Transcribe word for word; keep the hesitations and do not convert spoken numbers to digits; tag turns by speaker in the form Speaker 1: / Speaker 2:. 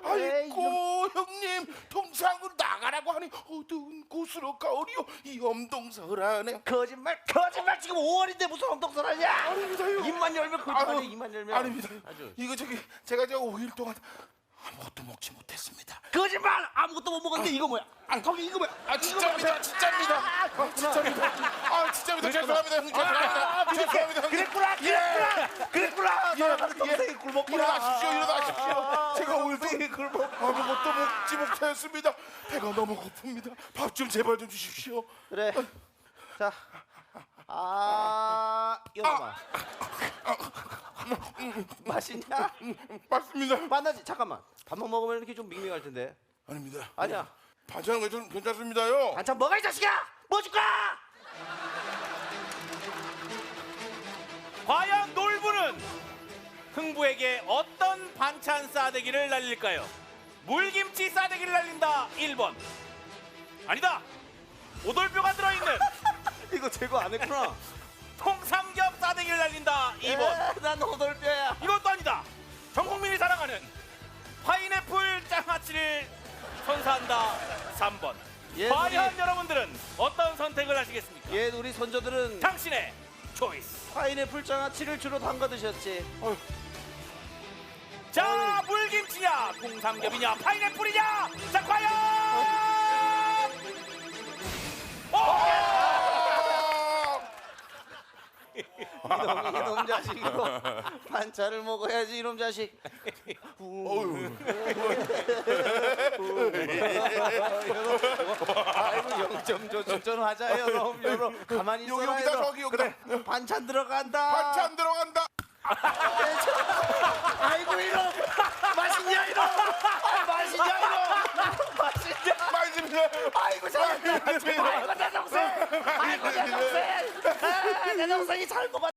Speaker 1: 아이고 형님 동상으로 나가라고 하니 어두운 곳으로 가오리요 이 엄동설하네.
Speaker 2: 거짓말 거짓말 지금 오월인데 무슨 엉덩설하냐?
Speaker 1: 아닙니다요.
Speaker 2: 입만 열면 거짓말해. 입만 열면.
Speaker 1: 아닙니다.
Speaker 2: 아주.
Speaker 1: 이거 저기 제가 제가 오 일 동안 아무것도 먹지 못했습니다.
Speaker 2: 거짓말 아무것도 못 먹었는데 이거 뭐야? 아 거기 이거 뭐야?
Speaker 1: 아 진짜입니다. 진짜입니다. 아 진짜입니다. 아 진짜입니다. 죄송합니다. 형님 죄송합니다. 죄송합니다. 형님.
Speaker 2: 그랬구나 그랬구나 그랬구나.
Speaker 1: 예,
Speaker 2: 동생이
Speaker 1: 예.
Speaker 2: 굶었구나.
Speaker 1: 일어나십시오. 일어나십시오. 제가 오늘
Speaker 2: 동생이 굶어.
Speaker 1: 아무것도 먹지 못했습니다. 배가 너무 고픕니다. 밥 좀 제발 좀 주십시오.
Speaker 2: 그래. 자. 아, 여봐봐. 맛있냐?
Speaker 1: 맞습니다.
Speaker 2: 만나지. 잠깐만. 밥만 먹으면 이렇게 좀 밍밍할 텐데.
Speaker 1: 아닙니다.
Speaker 2: 아니야.
Speaker 1: 반찬은 괜찮, 괜찮습니다요.
Speaker 2: 반찬 먹어 이 자식아. 뭐 줄까?
Speaker 3: 과연 놀부는 흥부에게 어떤 반찬 싸대기를 날릴까요? 물김치 싸대기를 날린다 일 번. 아니다. 오돌뼈가 들어있는
Speaker 2: 이거 제거 안 했구나.
Speaker 3: 통삼겹 싸대기를 날린다 이 번.
Speaker 2: 에, 난 호돌뼈야.
Speaker 3: 이것도 아니다. 전 국민이 사랑하는 파인애플 장아찌를 선사한다 삼 번.
Speaker 2: 예,
Speaker 3: 과연
Speaker 2: 우리-
Speaker 3: 여러분들은 어떤 선택을 하시겠습니까?
Speaker 2: 예, 우리 선조들은
Speaker 3: 당신의 초이스.
Speaker 2: 파인애플 장아찌를 주로 담가 드셨지.
Speaker 3: 자, 물김치냐, 통삼겹이냐, 파인애플이냐? 자, 과연!
Speaker 2: 이놈, 이놈 자식 이거 반찬을 먹어야지 이놈 자식.
Speaker 1: 어휴.
Speaker 2: 아이고 영점 조전하자 여놈 여놈 가만히 있어라.
Speaker 1: 여기, 여기다,
Speaker 2: 얘들아.
Speaker 1: 저기, 여기다.
Speaker 2: 그래 반찬 들어간다.
Speaker 1: 반찬 들어간다.
Speaker 2: 아이고 이놈 맛있냐 이놈. 아, 맛있냐 이놈. 맛있냐.
Speaker 1: 맛있습니다.
Speaker 2: 아이고 잘한다. 아이고 내 동생. 아이고 내 동생. 아, 내 동생이 잘 먹었.